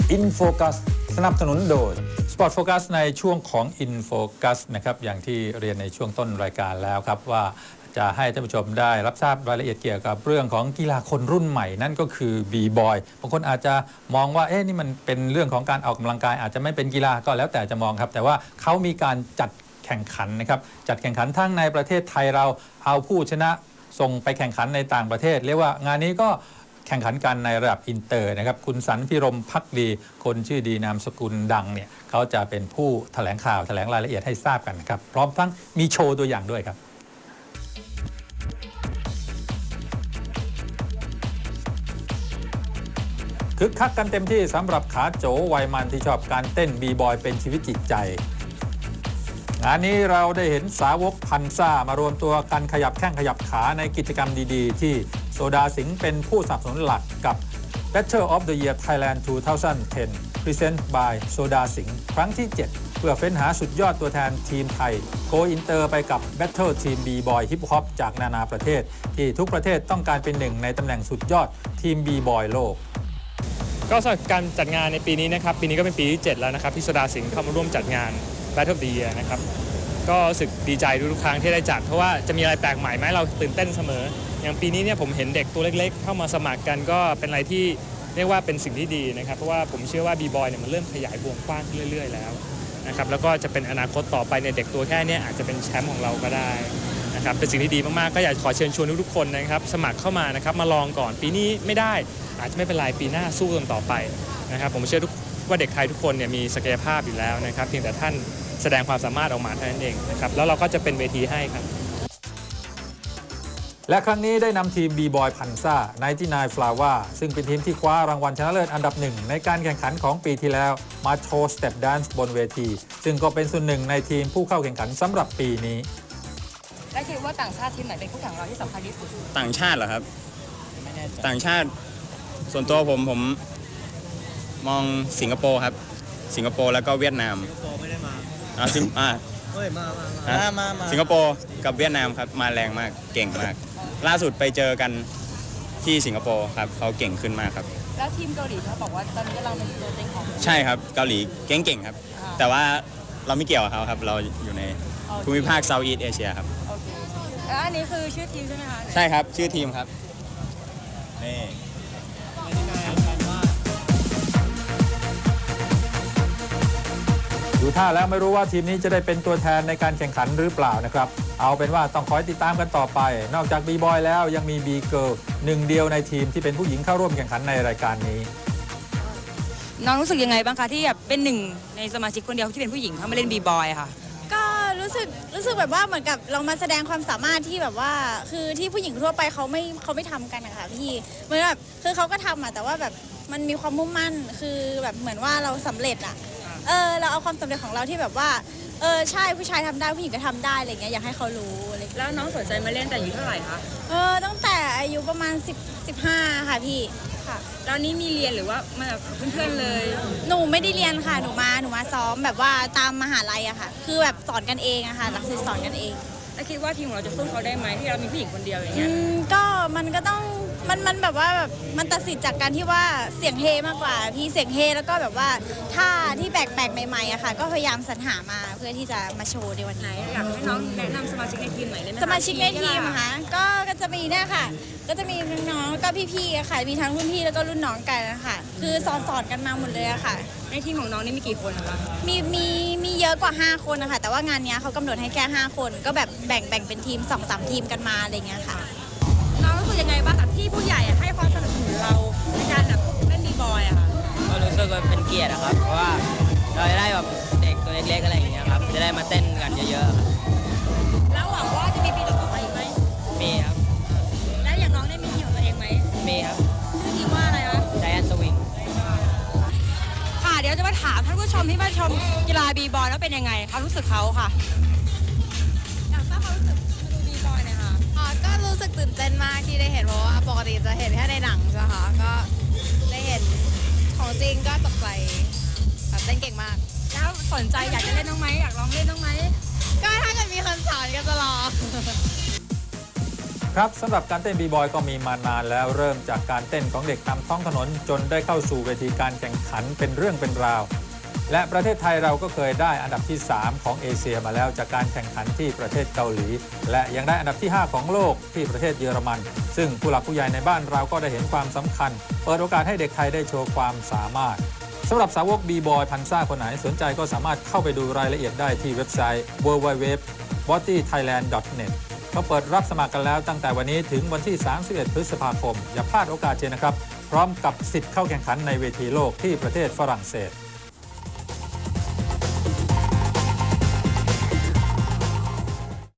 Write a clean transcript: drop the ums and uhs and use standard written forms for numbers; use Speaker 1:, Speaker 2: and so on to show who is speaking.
Speaker 1: InFocus สนับสนุนโดย Sport Focus ในช่วงของ InFocus นะครับอย่างที่เรียนในช่วงต้นรายการแล้วครับว่าจะให้ท่านผู้ชมได้รับทราบรายละเอียดเกี่ยวกับเรื่องของกีฬาคนรุ่นใหม่นั่นก็คือบีบอยบางคนอาจจะมองว่านี่มันเป็นเรื่องของการออกกำลังกายอาจจะไม่เป็นกีฬาก็แล้วแต่จะมองครับแต่ว่าเขามีการจัดแข่งขันนะครับจัดแข่งขันทั้งในประเทศไทยเราเอาผู้ชนะส่งไปแข่งขันในต่างประเทศเรียกว่างานนี้ก็แข่งขันกันในระดับอินเตอร์นะครับคุณสันพิรมภักดีคนชื่อดีนามสกุลดังเนี่ยเขาจะเป็นผู้แถลงข่าวแถลงรายละเอียดให้ทราบกันนะครับพร้อมทั้งมีโชว์ตัวอย่างด้วยครับคึกคักกันเต็มที่สำหรับขาโจวัยมันที่ชอบการเต้นบีบอยเป็นชีวิตจิตใจงานนี้เราได้เห็นสาวกพันซ่ามารวมตัวกันขยับแข้งขยับขาในกิจกรรมดีๆที่โซดาสิงห์เป็นผู้สนับสนุนหลักกับ Battle of the Year Thailand 2010 Present by โซดาสิงห์ครั้งที่ 7 เพื่อเฟ้นหาสุดยอดตัวแทนทีมไทยโกอินเตอร์ไปกับ Battle Team B-Boy Hip Hop จากนานาประเทศที่ทุกประเทศต้องการเป็นหนึ่งในตำแหน่งสุดยอดทีม B-Boy โลก
Speaker 2: ก็สำหรับการจัดงานในปีนี้นะครับปีนี้ก็เป็นปีที่ 7 แล้วนะครับที่โซดาสิงห์เข้ามาร่วมจัดงาน Battle of the Year นะครับก็รู้สึกดีใจทุกครั้งที่ได้จัดเพราะว่าจะมีอะไรแปลกใหม่ไหมเราตื่นเต้นเสมออย่างปีนี้เนี่ยผมเห็นเด็กตัวเล็กๆเข้ามาสมัครกันก็เป็นอะไรที่เรียกว่าเป็นสิ่งที่ดีนะครับเพราะว่าผมเชื่อว่าบีบอยเนี่ยมันเริ่มขยายวงกว้างขึ้นเรื่อยๆแล้วนะครับแล้วก็จะเป็นอนาคตต่อไปในเด็กตัวแค่นี้อาจจะเป็นแชมป์ของเราก็ได้นะครับเป็นสิ่งที่ดีมากๆก็อยากขอเชิญชวนทุกๆคนนะครับสมัครเข้ามานะครับมาลองก่อนปีนี้ไม่ได้อาจจะไม่เป็นไรปีหน้าสู้กันต่อไปนะครับผมเชื่อว่าเด็กไทยทุกคนเนี่ยมีศักยภาพอยู่แล้วนะครับเพียงแต่ท่านแสดงความสามารถออกมาเท่านั้นเองนะครับแล้วเราก็จะเป็นเวทีให้ครับ
Speaker 1: และครั้งนี้ได้นำทีม B-Boy พันซ่า99 Flower ซึ่งเป็นทีมที่คว้ารางวัลชนะเลิศอันดับหนึ่งในการแข่งขันของปีที่แล้วมาโชว์สเต็ปแดนซ์บนเวทีซึ่งก็เป็นส่วนหนึ่งในทีมผู้เข้าแข่งขันสำหรับปีนี้
Speaker 3: และคิดว่าต่างชาติทีมไหนเป็นคู่แข่งเราที่สำคัญที่สุด
Speaker 4: ต่างชาติเหรอครับต่างชาติส่วนตัวผมมองสิงคโปร์ครับสิงคโปร์แล้วก็เวียดนามไม่ได้มาสิงคโปร์กับเวียดนามครับมาแรงมากเก่งมากล่าสุดไปเจอกันที่สิงคโปร์ครับเขาเก่งขึ้นมากครับ
Speaker 3: แล้วทีมเกาหลีเขาบอกว่าตอนนี้กำลังเป็นตัวเต็งของ
Speaker 4: ใช่ครับเกาหลีเก่งครับแต่ว่าเราไม่เกี่ยวกับเขาครับเราอยู่ในภูมิภาคเซาท์อีสต์เอเชียครับ
Speaker 3: โอเคแล้วอันนี้คือชื่อทีมใช่ไหมคะ
Speaker 4: ใช่ครับชื่อทีมครับนี่
Speaker 1: ดูท่าแล้วไม่รู้ว่าทีมนี้จะได้เป็นตัวแทนในการแข่งขันหรือเปล่านะครับเอาเป็นว่าต้องคอยติดตามกันต่อไปนอกจาก B-Boy แล้วยังมี B-Girl หนึ่งเดียวในทีมที่เป็นผู้หญิงเข้าร่วมแข่งขันในรายการนี้
Speaker 3: น้องรู้สึกยังไงบ้างคะที่แบบเป็นหนึ่งในสมาชิกคนเดียวที่เป็นผู้หญิงเข้ามาเล่น B-Boy ค่ะ
Speaker 5: ก็รู้สึกแบบว่าเหมือนกับเรามาแสดงความสามารถที่แบบว่าคือที่ผู้หญิงทั่วไปเขาไม่ทำกันนะคะพี่เหมือนแบบคือเขาก็ทำแต่ว่าแบบมันมีความมุ่งมั่นคือแบบเหมือนว่าเราสำเร็จเราเอาความสำเร็จของเราที่แบบว่าใช่ผู้ชายทำได้ผู้หญิงก็ทำได้อะไรเงี้ยอยากให้เขารู้อะไร
Speaker 3: แล้วน้องสนใจมาเล่นแต่อายุเท่าไหร่คะ
Speaker 5: ตั้งแต่อายุประมาณ15ค่ะพี่ค่ะ
Speaker 3: ตอนนี้มีเรียนหรือว่ามาแบบเพื่อนๆเลย
Speaker 5: หนูไม่ได้เรียนค่ะหนูมาซ้อมแบบว่าตามมหาลัยอะค่ะคือแบบสอนกันเองอะค่ะหลักสูตรสอนกันเอง
Speaker 3: แล้วคิดว่าทีมของเราจะสู้เขาได้ไหมที่เรามีผู้หญิงคนเดียวอย่างเงี้ย
Speaker 5: ก็มันก็ต้องมันแบบว่าแบบมันตัดสินจากการที่ว่าเสียงเฮมากกว่าพี่เสียงเฮแล้วก็แบบว่าท่าที่แปลกๆใหม่ๆอะค่ะก็พยายามสรรหามาเพื่อที่จะมาโชว์ในวันนี้
Speaker 3: อยากให้น้องแนะนำสมาชิกในทีมหน่อยได้ไหม
Speaker 5: สมาชิกในทีมค่ะก็จะมีเนี่ยค่ะก็จะมีน้องๆก็พี่ๆค่ะมีทั้งรุ่นพี่แล้วก็รุ่นน้องกันนะคะคือสอนกันมาหมดเลยอะค่ะ
Speaker 3: ในทีมของน้องนี่มีกี่คนคะ
Speaker 5: มีเยอะกว่า5คนนะคะแต่ว่างานนี้เขากำหนดให้แค่5คนก็แบบแบ่งเป็นทีม 2-3 ทีมกันมาอะไรเงี้ยค่ะ
Speaker 3: น้องรู้สึกยังไงบ้างที่ผู้ใหญ่ให้ความสนับสนุนเราในการแบบเล่นB-Boyอะค่ะ
Speaker 6: ก็รู้สึกว่าเป็นเกียรติครับเพราะว่าเราจะได้แบบเด็กตัวเล็กๆอะไรอย่างเงี้ยครับจะได้มาเต้นกันเยอะ
Speaker 3: ๆแล้วหวังว่าจะมีปีต่อไปอีกไหม
Speaker 6: มีครับ
Speaker 3: แล้วอย่างน้องได้มีทีมของตัวเองไหม
Speaker 6: มีครับ
Speaker 3: ชื่อทีมว่าอะไรคะ
Speaker 6: Giant Swing
Speaker 3: ค่ะเดี๋ยวจะมาถามท่านผู้ชมที่มาชมกีฬาB-Boyแล้วเป็นยังไงความรู้สึกเขาค่ะอยากทราบความรู้สึกมาดูB-Boyหน่อยค่ะ
Speaker 5: ก็รู้สึกตื่นเต้นมากที่ได้เห็นเพราะว่าปกติจะเห็นแค่ในหนังใช่ไหมคะก็ได้เห็นของจริงก็ตกใจแบบเต้นเก่งมาก
Speaker 3: แล้วสนใจอยากจะเล่นน้องไหมอยากลองเล่นน้องไหม
Speaker 5: ก็ถ้าเกิดมีคนสอนก็จะลอง
Speaker 1: ครับสำหรับการเต้นบีบอยก็มีมานานแล้วเริ่มจากการเต้นของเด็กตามท้องถนนจนได้เข้าสู่เวทีการแข่งขันเป็นเรื่องเป็นราว และประเทศไทยเราก็เคยได้อันดับที่ 3 ของเอเชียมาแล้วจากการแข่งขันที่ประเทศเกาหลี และยังได้อันดับที่ 5 ของโลกที่ประเทศเยอรมัน ซึ่งผู้หลักผู้ใหญ่ในบ้านเราก็ได้เห็นความสำคัญ เปิดโอกาสให้เด็กไทยได้โชว์ความสามารถสำหรับสาวกบีบอยพันซ่าคนไหนสนใจก็สามารถเข้าไปดูรายละเอียดได้ที่เว็บไซต์ www.bodythailand.net เขาเปิดรับสมัครกันแล้วตั้งแต่วันนี้ถึงวันที่ 31 พฤษภาคมอย่าพลาดโอกาสเจนะครับพร้อมกับสิทธิ์เข้าแข่งขันในเวทีโลกที่ประเทศฝรั่งเศส